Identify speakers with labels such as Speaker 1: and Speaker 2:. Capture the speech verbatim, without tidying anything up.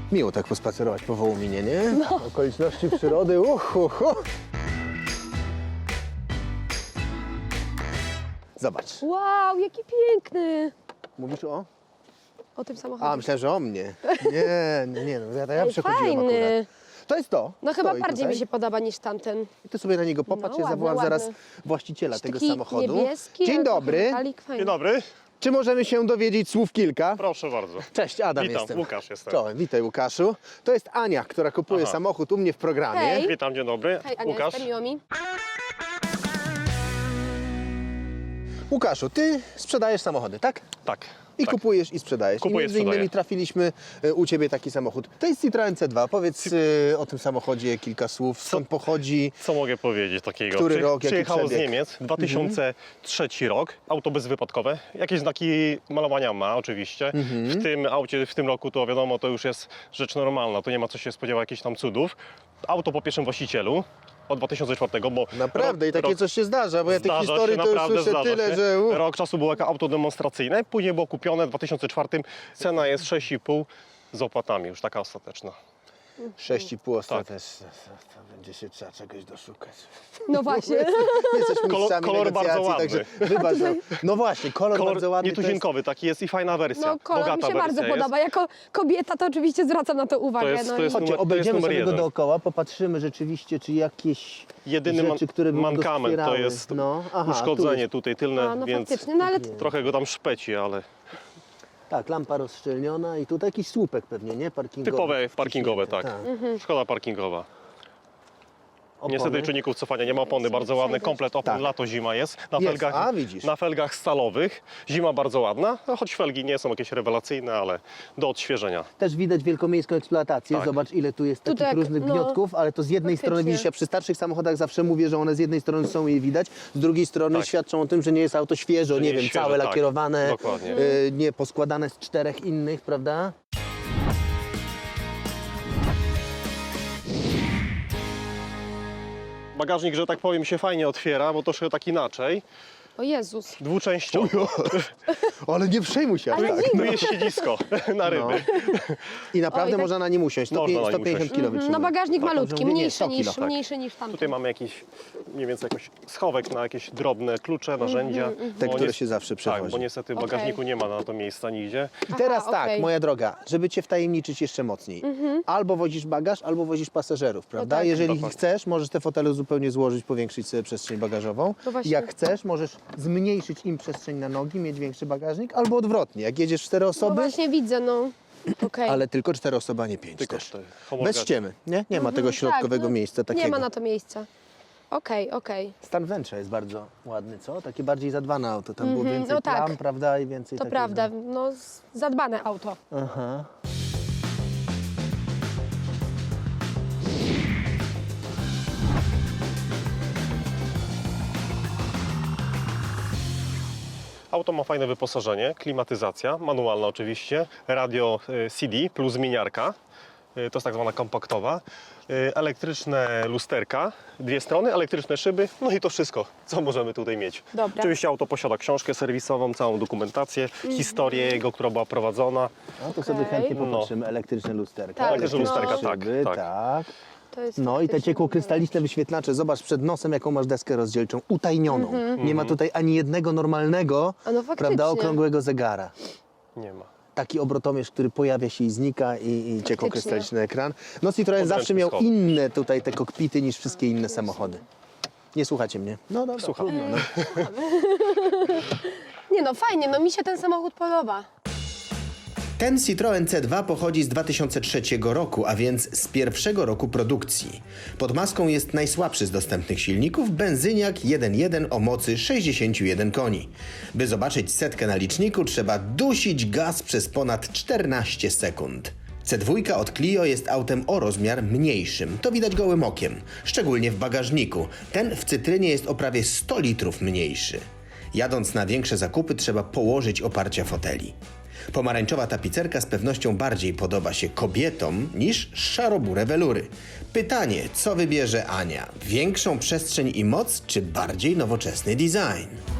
Speaker 1: Miło tak pospacerować po Wołominie, nie? No. Okoliczności przyrody, uch, uch, uch. Zobacz.
Speaker 2: Wow, jaki piękny!
Speaker 1: Mówisz o?
Speaker 2: O tym samochodzie.
Speaker 1: A, myślałem, że o mnie. Nie, nie, nie, no ja, ja
Speaker 2: Ej,
Speaker 1: przechodziłem
Speaker 2: fajny.
Speaker 1: akurat. To jest to.
Speaker 2: No chyba
Speaker 1: Stoi
Speaker 2: bardziej
Speaker 1: tutaj.
Speaker 2: mi się podoba niż tamten.
Speaker 1: I ty sobie na niego popatrz,
Speaker 2: No,
Speaker 1: ja
Speaker 2: ładny,
Speaker 1: zawołam
Speaker 2: ładny.
Speaker 1: zaraz właściciela tego
Speaker 2: Taki
Speaker 1: samochodu.
Speaker 2: niebieski,
Speaker 1: Dzień
Speaker 2: ale trochę
Speaker 1: dobry.
Speaker 2: metalik, fajny.
Speaker 3: Dzień dobry,
Speaker 1: Czy możemy się dowiedzieć słów kilka?
Speaker 3: proszę bardzo.
Speaker 1: Cześć, Adam
Speaker 3: Witam,
Speaker 1: jestem.
Speaker 3: Łukasz jestem.
Speaker 1: Czołem, witaj Łukaszu. To jest Ania, która kupuje
Speaker 3: Aha.
Speaker 1: samochód u mnie w programie.
Speaker 2: Hej.
Speaker 3: Witam, dzień dobry.
Speaker 2: Hej, Ania,
Speaker 3: Łukasz.
Speaker 2: jestem, miło mi.
Speaker 1: Łukaszu, ty sprzedajesz samochody, tak?
Speaker 3: Tak.
Speaker 1: I
Speaker 3: tak.
Speaker 1: kupujesz i sprzedajesz.
Speaker 3: Kupuję,
Speaker 1: I między innymi
Speaker 3: sprzedaję.
Speaker 1: trafiliśmy e, u ciebie taki samochód. To jest Citroen C dwa. Powiedz e, o tym samochodzie kilka słów. Skąd pochodzi?
Speaker 3: Co mogę powiedzieć takiego?
Speaker 1: Który
Speaker 3: Przy-
Speaker 1: rok, jaki
Speaker 3: Przyjechało z
Speaker 1: przebieg?
Speaker 3: Niemiec, dwa tysiące trzeci rok, auto bezwypadkowe. Jakieś znaki malowania ma oczywiście. W tym aucie, w tym roku to wiadomo, to już jest rzecz normalna, to nie ma co się spodziewać jakichś tam cudów. Auto po pierwszym właścicielu od dwa tysiące czwartego, bo...
Speaker 1: Naprawdę,
Speaker 3: rok,
Speaker 1: i takie
Speaker 3: rok,
Speaker 1: coś się zdarza, bo ja tych
Speaker 3: Zdarza
Speaker 1: historii
Speaker 3: się,
Speaker 1: to już
Speaker 3: naprawdę
Speaker 1: słyszę
Speaker 3: zdarza
Speaker 1: tyle,
Speaker 3: się.
Speaker 1: że... Uh.
Speaker 3: Rok czasu było jako auto demonstracyjne, później było kupione w dwa tysiące czwartym. Cena jest sześć i pół z opłatami, już taka ostateczna.
Speaker 1: sześć i pół
Speaker 3: Tak.
Speaker 1: ostatecznie. To będzie się trzeba czegoś doszukać.
Speaker 2: No właśnie.
Speaker 1: My jesteśmy
Speaker 3: Kolor-
Speaker 1: mistrzami
Speaker 3: kolor bardzo
Speaker 1: negocjacji,
Speaker 3: ładny.
Speaker 1: także wybacz. No, no właśnie, kolor,
Speaker 3: Kolor
Speaker 1: bardzo ładny. to jest-
Speaker 3: nietuzinkowy taki jest i fajna wersja.
Speaker 2: No kolor
Speaker 3: Bogata
Speaker 2: mi się
Speaker 3: wersja
Speaker 2: bardzo
Speaker 3: jest.
Speaker 2: podoba. Jako kobieta to oczywiście zwracam na to uwagę.
Speaker 3: To jest-
Speaker 2: no
Speaker 3: to
Speaker 2: i-
Speaker 3: jest
Speaker 1: Chodźcie,
Speaker 3: numer- to
Speaker 1: obejdziemy
Speaker 3: jest numer
Speaker 1: sobie go
Speaker 3: jeden.
Speaker 1: dookoła, popatrzymy rzeczywiście, czy jakieś
Speaker 3: Jedyny man-
Speaker 1: rzeczy, które by go
Speaker 3: mankament to
Speaker 1: wspierały.
Speaker 3: jest
Speaker 1: No, aha, tu
Speaker 3: uszkodzenie
Speaker 1: jest-
Speaker 3: tutaj tylne,
Speaker 2: A, no
Speaker 3: więc
Speaker 2: faktycznie, no ale
Speaker 3: trochę go tam szpeci, ale
Speaker 1: Tak, lampa rozszczelniona i tutaj jakiś słupek pewnie, nie? Parkingowy.
Speaker 3: typowe parkingowe,
Speaker 1: wciśnięty,
Speaker 3: tak. Szkoda parkingowa.
Speaker 1: Opony.
Speaker 3: Niestety czynników cofania nie ma opony, bardzo ładny komplet opon,
Speaker 1: Tak.
Speaker 3: lato, zima jest. Na
Speaker 1: Jest,
Speaker 3: felgach,
Speaker 1: a, widzisz.
Speaker 3: na felgach stalowych, zima bardzo ładna, no, choć felgi nie są jakieś rewelacyjne, ale do odświeżenia.
Speaker 1: Też widać wielkomiejską eksploatację.
Speaker 3: Tak.
Speaker 1: Zobacz, ile tu jest
Speaker 2: Tutaj
Speaker 1: takich
Speaker 2: jak-
Speaker 1: różnych
Speaker 2: no,
Speaker 1: gniotków, ale to z jednej
Speaker 2: faktycznie.
Speaker 1: strony widzisz, ja przy starszych samochodach zawsze mówię, że one z jednej strony są je widać, z drugiej strony
Speaker 3: Tak.
Speaker 1: świadczą o tym, że nie jest auto świeżo,
Speaker 3: Że
Speaker 1: nie
Speaker 3: nie
Speaker 1: wiem,
Speaker 3: jest świeże,
Speaker 1: całe
Speaker 3: tak.
Speaker 1: lakierowane,
Speaker 3: Dokładnie.
Speaker 1: y, nie poskładane z czterech innych, prawda?
Speaker 3: Bagażnik, że tak powiem, się fajnie otwiera, bo troszkę tak inaczej.
Speaker 2: o Jezus.
Speaker 3: Dwuczęściowy.
Speaker 1: Ale nie przejmuj się aż
Speaker 2: Ale
Speaker 1: tak.
Speaker 2: dziwne.
Speaker 3: Tu jest siedzisko na ryby.
Speaker 1: I naprawdę
Speaker 2: Oj, tak-
Speaker 1: można na nim usiąść. sto
Speaker 3: Można na nim
Speaker 1: pięćdziesiąt
Speaker 3: usiąść.
Speaker 1: kilo
Speaker 2: No
Speaker 1: wytrzyma.
Speaker 2: bagażnik
Speaker 1: Tak,
Speaker 2: malutki,
Speaker 1: dobrze mówię? Nie,
Speaker 2: mniejszy
Speaker 1: sto
Speaker 2: niż,
Speaker 1: kilo, tak.
Speaker 2: mniejszy niż tamten.
Speaker 3: Tutaj mamy jakiś, mniej więcej jakoś schowek na jakieś drobne klucze, narzędzia.
Speaker 1: Te,
Speaker 3: Bo
Speaker 1: które
Speaker 3: nies-
Speaker 1: się zawsze
Speaker 3: Tak,
Speaker 1: przewozi.
Speaker 3: bo niestety w
Speaker 2: Okej.
Speaker 3: bagażniku nie ma na to miejsca nigdzie.
Speaker 1: I teraz
Speaker 2: Aha,
Speaker 1: tak,
Speaker 2: okej.
Speaker 1: moja droga, żeby Cię wtajemniczyć jeszcze mocniej. Albo wozisz bagaż, albo wozisz pasażerów, prawda?
Speaker 2: tak.
Speaker 1: Jeżeli
Speaker 3: Dokładnie.
Speaker 1: chcesz, możesz te fotele zupełnie złożyć, powiększyć sobie przestrzeń bagażową.
Speaker 2: No właśnie.
Speaker 1: Jak chcesz, możesz zmniejszyć im przestrzeń na nogi, mieć większy bagażnik, albo odwrotnie. Jak jedziesz cztery
Speaker 2: No
Speaker 1: osoby,
Speaker 2: właśnie widzę, no. Okej.
Speaker 1: ale tylko cztery osoby, a nie pięć
Speaker 3: Tylko
Speaker 1: też.
Speaker 3: cztery.
Speaker 1: Bez
Speaker 3: Homologacja.
Speaker 1: ściemy, nie? Nie ma tego środkowego
Speaker 2: Tak, no,
Speaker 1: miejsca takiego.
Speaker 2: Nie ma na to miejsca. Okej, okej.
Speaker 1: Stan wnętrza jest bardzo ładny, co? Takie bardziej zadbane auto. Tam było więcej
Speaker 2: no tak.
Speaker 1: plam, prawda? I więcej
Speaker 2: To
Speaker 1: takiego-
Speaker 2: prawda, no z- zadbane auto.
Speaker 1: Aha.
Speaker 3: Auto ma fajne wyposażenie, klimatyzacja, manualna oczywiście, radio y, C D plus zmieniarka, y, to jest tak zwana kompaktowa, y, elektryczne lusterka, dwie strony, elektryczne szyby, no i to wszystko, co możemy tutaj mieć.
Speaker 2: Dobra.
Speaker 3: Oczywiście auto posiada książkę serwisową, całą dokumentację, historię jego, która była prowadzona.
Speaker 1: No to sobie
Speaker 2: Okej.
Speaker 1: chętnie
Speaker 3: No.
Speaker 1: popatrzymy. Elektryczne lusterka.
Speaker 2: Tak,
Speaker 3: Elektryczne lusterka, tak,
Speaker 1: szyby,
Speaker 3: tak.
Speaker 1: tak.
Speaker 2: To jest
Speaker 1: No i te
Speaker 2: faktycznie
Speaker 1: ciekłokrystaliczne wyświetlacze. Zobacz przed nosem, jaką masz deskę rozdzielczą. Utajnioną. Nie ma tutaj ani jednego normalnego,
Speaker 2: A no faktycznie.
Speaker 1: prawda, okrągłego zegara.
Speaker 3: Nie ma.
Speaker 1: Taki obrotomierz, który pojawia się i znika i, i ciekłokrystaliczny ekran. No Citroen zawsze
Speaker 3: Podręczny
Speaker 1: miał
Speaker 3: schowek.
Speaker 1: inne tutaj te kokpity niż wszystkie inne samochody. Nie słuchacie mnie? No dobra,
Speaker 3: Słucham.
Speaker 1: trudno, no.
Speaker 2: Nie no, fajnie, no mi się ten samochód podoba.
Speaker 4: Ten Citroen C dwa pochodzi z dwa tysiące trzeciego roku, a więc z pierwszego roku produkcji. Pod maską jest najsłabszy z dostępnych silników, benzyniak jeden jeden o mocy sześćdziesiąt jeden koni. By zobaczyć setkę na liczniku, trzeba dusić gaz przez ponad czternaście sekund. C dwa od Clio jest autem o rozmiar mniejszym, to widać gołym okiem, szczególnie w bagażniku. Ten w cytrynie jest o prawie sto litrów mniejszy. Jadąc na większe zakupy trzeba położyć oparcia foteli. Pomarańczowa tapicerka z pewnością bardziej podoba się kobietom niż szarobure welury. Pytanie, co wybierze Ania? Większą przestrzeń i moc, czy bardziej nowoczesny design?